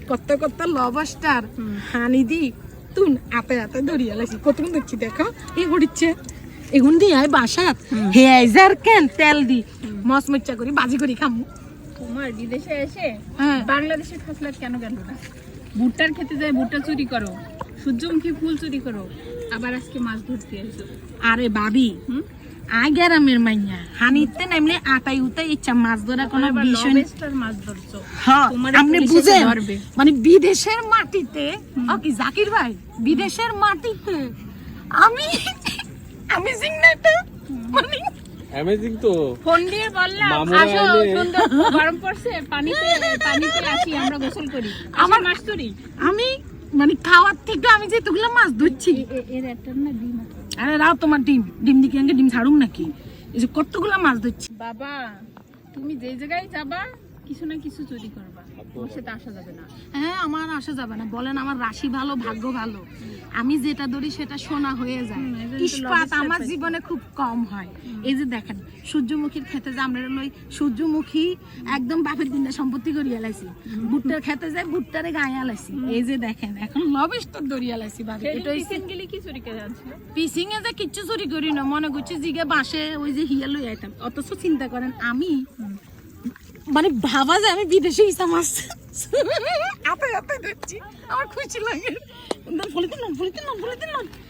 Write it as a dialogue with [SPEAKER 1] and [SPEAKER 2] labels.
[SPEAKER 1] কত কত লবস্টার হানি দি তুন আতে আতে ধরিয়া লাইছি কতক্ষণ দেখছি দেখো এই হড়িচ্ছে এগুন দি আই বাসাত হে আইজার কেন তেল দি মস মচ্চা করি বাজি করি খামু।
[SPEAKER 2] তোমার বিদেশে এসে বাংলাদেশে খাসলাত কেন গেল না? ভুট্টার খেতে যায় ভুট্টা চুরি করো, সূর্যমুখী ফুল চুরি করো, আবার আজকে মাছ ধরতে এসো।
[SPEAKER 1] আরে ভাবি আগেরামের মাইয়া হানিতে নামলে আটাই উতাই ইচ্ছা মাছ ধরা কোনো বিষয় না।
[SPEAKER 2] মাছ ধরছো
[SPEAKER 1] আপনি বুঝেন মানে বিদেশের মাটিতে কি জাকির ভাই বিদেশের মাটিতে আমি আমি জিংনাটা মানে
[SPEAKER 3] অ্যামেজিং তো।
[SPEAKER 2] ফোন দিয়ে বললাম আসো সুন্দর গরম পড়ছে পানিতে আসি আমরা গোসল করি আমার মাছ ধরি।
[SPEAKER 1] আমি মানে খাওয়ার থেকে আমি যে তুগুলা মাছ ধরছি
[SPEAKER 2] এর একটা না ডিম আছে।
[SPEAKER 1] আরে রাও তোমার ডিম দিকে আগে ডিম ছাড়ুম নাকি এই যে কতগুলা মাছ ধরছি।
[SPEAKER 2] বাবা তুমি যে জায়গায় যাবা কিছু না কিছু চুরি করবা, তোমার সাথে আসা যাবে না।
[SPEAKER 1] হ্যাঁ আমার আসা যাবে না বলেন, আমার রাশি ভালো ভাগ্য ভালো, আমি যেটা ধরি সেটা সোনা হয়ে যায়। ইস্পাত আমার জীবনে খুব কম হয়। এই যে দেখেন সূর্যমুখীর খেতে যে আমরা লই সূর্যমুখী একদম বাপের দিনটা সম্পত্তি করিয়া লাইছি, ভুট্টার খেতে যায় ভুট্টারে গায়ে লাইছি। এই যে দেখেন এখন লবস্টার ধরিয়া লাইছি ভাবি। এটা হইছে
[SPEAKER 2] গেলি কি চুরি করে আনছিল?
[SPEAKER 1] পিসিং এ যে কিচ্ছু চুরি করি না, মনে করছি জিগে বাসে ওই যে হিয়া লই আইতাম। অথচ চিন্তা করেন আমি মানে ভাবা যায় আমি বিদেশে ইসা মাছ আপে আপে দেখছি আমার খুশি লাগে। ফলিতে না